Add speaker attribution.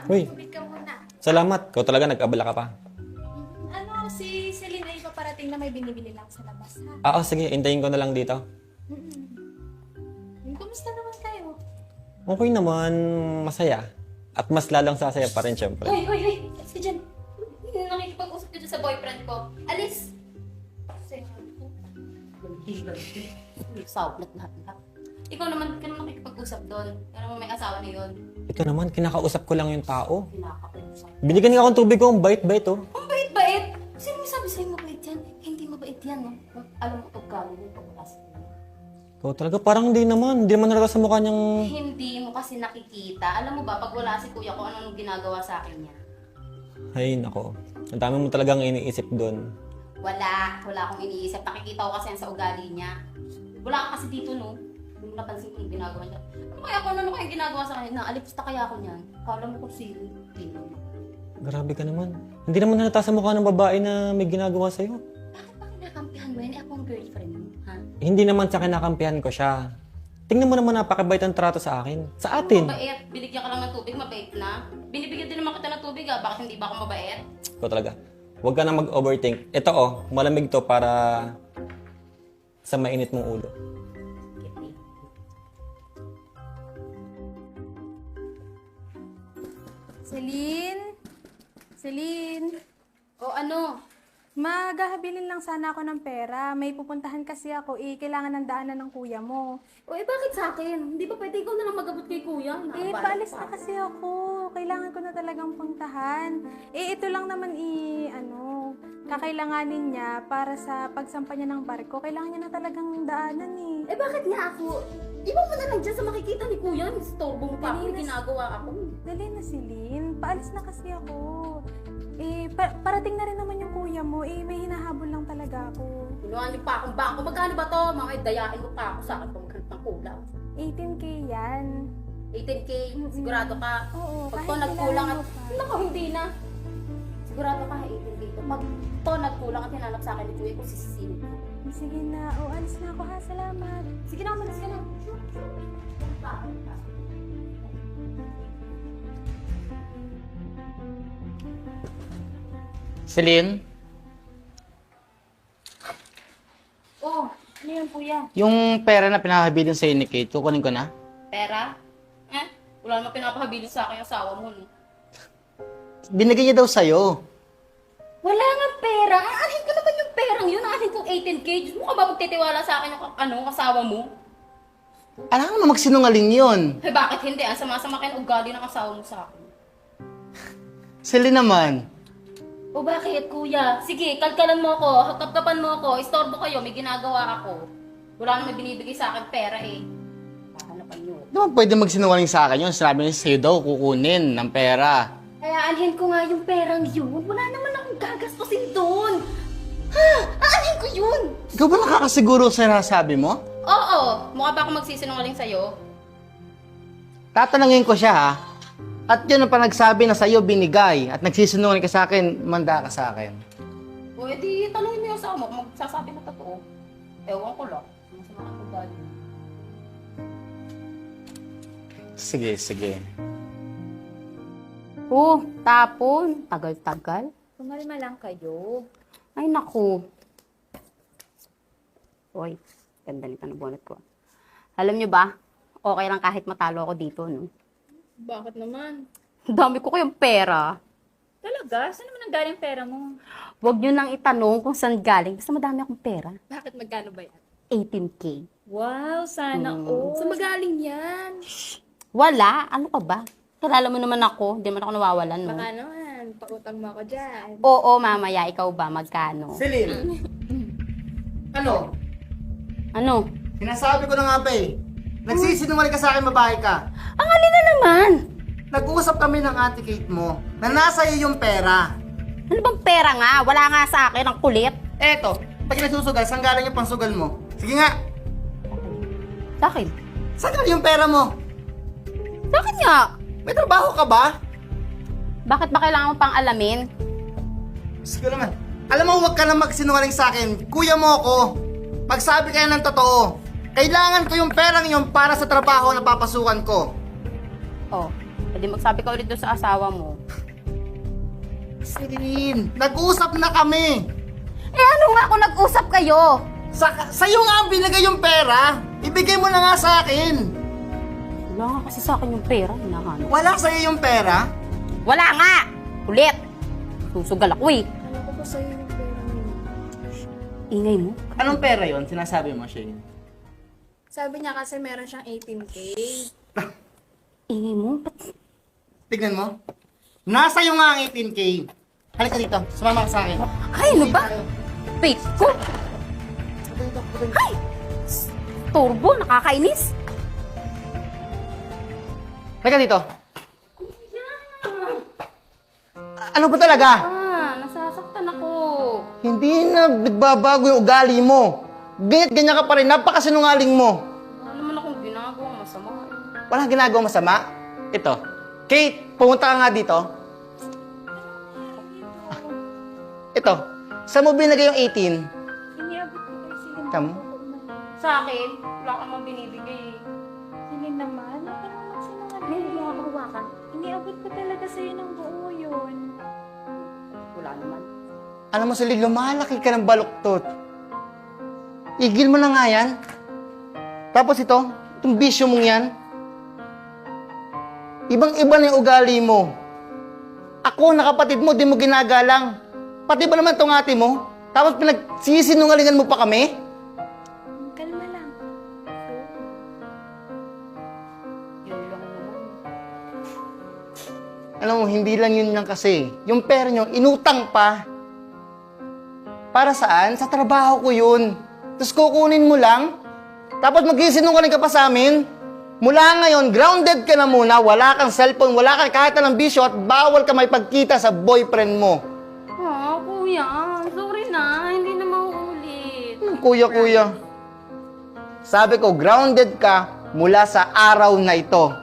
Speaker 1: Uy,
Speaker 2: Tubig ka muna.
Speaker 1: salamat. Ikaw talaga nag-abala ka pa.
Speaker 2: Ano, si Celine ay paparating na may binibili lang sa labas, ha?
Speaker 1: Sige. Hintayin ko na lang dito.
Speaker 2: Kumusta naman kayo?
Speaker 1: Okay naman. Masaya. At mas lalong sasaya pa rin, syempre.
Speaker 3: Hoy! Alis ka dyan. Nakikipag-usap ka dyan sa boyfriend ko. Alis! Sawat lahat. Ikaw naman, ka naman nakikipag-usap doon. Pero may asawa na yun.
Speaker 1: Ito naman, kinakausap ko lang yung tao.
Speaker 3: Pinakausap.
Speaker 1: Binigyan niya akong tubig ko. Ang bait-bait, oh.
Speaker 3: Ang bait-bait! Sino may sabi sa'yo mabait yan? Hindi mabait yan, no? Alam mo, pagkalo mo, pagkakas mo.
Speaker 1: Ikaw talaga, parang hindi naman. Hindi naman nalata sa mukha niyang...
Speaker 3: Hindi mo kasi nakikita. Alam mo ba, pag wala si kuya ko, anong ginagawa sa akin niya?
Speaker 1: Ay, nako. Ang dami mo talagang iniisip doon.
Speaker 3: Wala akong iniisip. Nakikita ko kasi yan sa ugali niya. Wala ka kasi dito, no? Hindi mo napansin ko yung ginagawa niya. Ano kaya ginagawa sa kanya? Naalipsta kaya ako niyan. Kala mo kung sino.
Speaker 1: Grabe ka naman. Hindi naman nalata sa mukha ng babae na may ginagawa sa'yo.
Speaker 3: Bakit kinakampihan mo yan? Ako ang girlfriend mo, ha?
Speaker 1: Hindi naman sa kinakampihan ko siya. Tingnan mo naman napakabait ang trato sa akin. Sa atin.
Speaker 3: Mabait. Binigyan ka lang ng tubig, mabait na. Binibigyan din naman kita ng tubig, ha? Bakit hindi ba ako mabait?
Speaker 1: Ikaw talaga. Huwag ka na mag-overthink. Ito malamig to para sa mainit mong ulo.
Speaker 2: Celine? Celine?
Speaker 3: O ano?
Speaker 2: Maghahabilin lang sana ako ng pera. May pupuntahan kasi ako. Kailangan ng daanan ng kuya mo.
Speaker 3: O bakit sa akin? Hindi ba pwede ikaw na lang mag-abot kay kuya?
Speaker 2: Paalis na kasi ako. Kailangan ko na talagang puntahan. Ito lang naman kakailanganin niya para sa pagsampa niya ng barko. Kailangan niya na talagang daanan eh.
Speaker 3: Bakit nga ako? Iwan mo na lang dyan sa makikita ni kuya. Istorbo mo pa ako. May ginagawa ako.
Speaker 2: Dali na, Celine. Paalis na kasi ako. Parating na rin naman yung kuya mo. May hinahabol lang talaga ako.
Speaker 3: Inuhan niyo pa akong bangko. Magkano ba to? Mga dayain mo pa ako sa akin pag maghanap ng kulang.
Speaker 2: 18K yan.
Speaker 3: 18K? Sigurado ka?
Speaker 2: Oo,
Speaker 3: Pag
Speaker 2: kahit
Speaker 3: to nagkulang at...
Speaker 2: kailangan mo pa.
Speaker 3: Naku, hindi na. Sigurado ka 18K to. Pag to nagkulang at hinanap sa akin ni kuya, kung sisisihin ko.
Speaker 2: Sige na. Alis na ako ha. Salamat.
Speaker 3: Sige na, umalis ka na.
Speaker 4: Celine,
Speaker 3: Oh, ano yun kuya?
Speaker 4: yung pera na pinakabilin sa'yo ni Kate, kukunin ko na.
Speaker 3: Pera? Wala naman pinapahabilin sa akin yung asawa mo, no?
Speaker 4: Binigay niya daw sa'yo.
Speaker 3: Wala nga pera. Aanhin ko naman yung perang yun. Aanhin kong 18K. Diyos mo ka ba magtitiwala sa akin yung asawa mo?
Speaker 4: Alam mo magsinungaling yun.
Speaker 3: Bakit hindi? Ang sama-sama kayo ng ugali ng asawa mo sa akin.
Speaker 4: Celine naman.
Speaker 3: O bakit, kuya? Sige, kalkalan mo ako, kapkapan mo ako, istorbo kayo, may ginagawa ako. Wala naman binibigay sa akin pera eh. Hahanapan nyo.
Speaker 4: Di ba pwede magsinungaling sa akin yun? Sinabi niya sa'yo daw, kukunin ng pera.
Speaker 3: Kaya aanhin ko nga yung perang yun. Wala naman akong gagastusin doon. Ha? Aanhin ko yun.
Speaker 4: Ikaw ba nakakasiguro sa nasabi mo?
Speaker 3: Oo, mukha ba ako magsisinungaling sa'yo?
Speaker 4: Tatanungin ko siya ha. At yun ang panagsabi na sa'yo binigay. At nagsisinungaling ka sa akin, manda ka sa akin.
Speaker 3: O edi, tanungin mo yung asawa mo kung magsasabi na totoo. Ewan ko lang. Masama ang ugali.
Speaker 4: Sige.
Speaker 3: Tapon. Tagal-tagal.
Speaker 2: Kumalma lang kayo.
Speaker 3: Ay, naku. Uy, ganda nito ng bonnet ko. Alam nyo ba, okay lang kahit matalo ako dito, no?
Speaker 5: Bakit naman?
Speaker 3: Dami ko kayong pera.
Speaker 5: Talaga? Saan naman ang galing pera mo?
Speaker 3: Huwag nyo nang itanong kung saan galing. Basta madami akong pera.
Speaker 5: Bakit magkano ba yan?
Speaker 3: 18K.
Speaker 5: Wow, sana all. Saan magaling yan?
Speaker 3: Wala. Ano ka ba? Kilala mo naman ako. Hindi naman ako nawawalan, no?
Speaker 5: Baka naman, pautang mo ako dyan.
Speaker 3: Oo, mamaya. Ikaw ba? Magkano?
Speaker 4: Celine! Ano?
Speaker 3: Ano?
Speaker 4: Sinasabi ko na nga ba eh. Nagsisinungaling ka sa akin, babae ka.
Speaker 3: Ang alin na naman?
Speaker 4: Nag-uusap kami ng ate Kate mo na nasa iyo yung pera.
Speaker 3: Ano bang pera nga? Wala nga sa akin. Ang kulit.
Speaker 4: Eto, pag nasusugal, saan galing yung pangsugal mo? Sige nga,
Speaker 3: Bakit?
Speaker 4: saan galing yung pera mo?
Speaker 3: Bakit nga?
Speaker 4: May trabaho ka ba?
Speaker 3: Bakit ba kailangan mo pang alamin?
Speaker 4: Sige naman. Alam mo, huwag ka na magsinungaling sa akin. Kuya mo ako. Pagsabi kayo ng totoo, kailangan ko yung perang yun para sa trabaho na papasukan ko.
Speaker 3: Oh, Pwede magsabi ka ulit doon sa asawa mo.
Speaker 4: Celine, nag-usap na kami.
Speaker 3: Eh ano nga kung nag-usap kayo?
Speaker 4: Sa'yo nga ang binigay yung pera. Ibigay mo na nga sa akin.
Speaker 3: Wala nga kasi sa akin yung pera, hinahanap.
Speaker 4: Wala sa'yo yung pera?
Speaker 3: Wala nga! Ulit! Susugal ako eh.
Speaker 5: Ano ko ba sa'yo yung pera mo?
Speaker 3: Ingay mo.
Speaker 4: Anong pera yon? Sinasabi mo, Shane.
Speaker 5: Sabi niya kasi meron siyang 18K.
Speaker 3: Ingay mo? Ba't
Speaker 4: Tignan mo. Nasa iyo nga ang 18K. Halika dito. Sumama ka sa akin.
Speaker 3: Ay, ano ba? Wait, ko! Ay! Turbo, nakakainis.
Speaker 4: Halika dito. Ano ba talaga?
Speaker 3: Nasasaktan ako.
Speaker 4: Hindi na nagbabago yung ugali mo. Ganyan ka pa rin. Napakasinungaling mo.
Speaker 3: Wala naman akong ginagawang masama.
Speaker 4: Walang ginagawang masama. Ito. Kate, pumunta ka nga dito. Ito. Saan mo binigay yung 18?
Speaker 5: Iniabot ko kay Celine.
Speaker 4: Tamo?
Speaker 3: Sa akin, wala kang mang binibigay eh.
Speaker 5: Celine naman, ako naman sinungaling.
Speaker 3: Hindi mo ako hawakan.
Speaker 5: Iniabot ko talaga sa'yo ng buo yun.
Speaker 3: Wala naman.
Speaker 4: Alam mo, Celine, lumalaki ka ng baluktot. Igil mo na nga yan. Tapos itong bisyo mong yan. Ibang-iba na yung ugali mo. Ako, nakapatid mo, di mo ginagalang. Pati ba naman itong ate mo? Tapos pinagsisinungalingan mo pa kami?
Speaker 5: Kalma lang.
Speaker 3: Yun lang naman.
Speaker 4: Alam mo, hindi lang yun lang kasi. Yung pera nyo, inutang pa. Para saan? Sa trabaho ko yun. Tapos kukunin mo lang. Tapos magsisinungaling ka pa sa amin. Mula ngayon, grounded ka na muna. Wala kang cellphone, wala kang kahit anong bisyo at bawal ka may pagkita sa boyfriend mo.
Speaker 3: Kuya, sorry na. Hindi na mauulit.
Speaker 4: Kuya. Sabi ko, grounded ka mula sa araw na ito.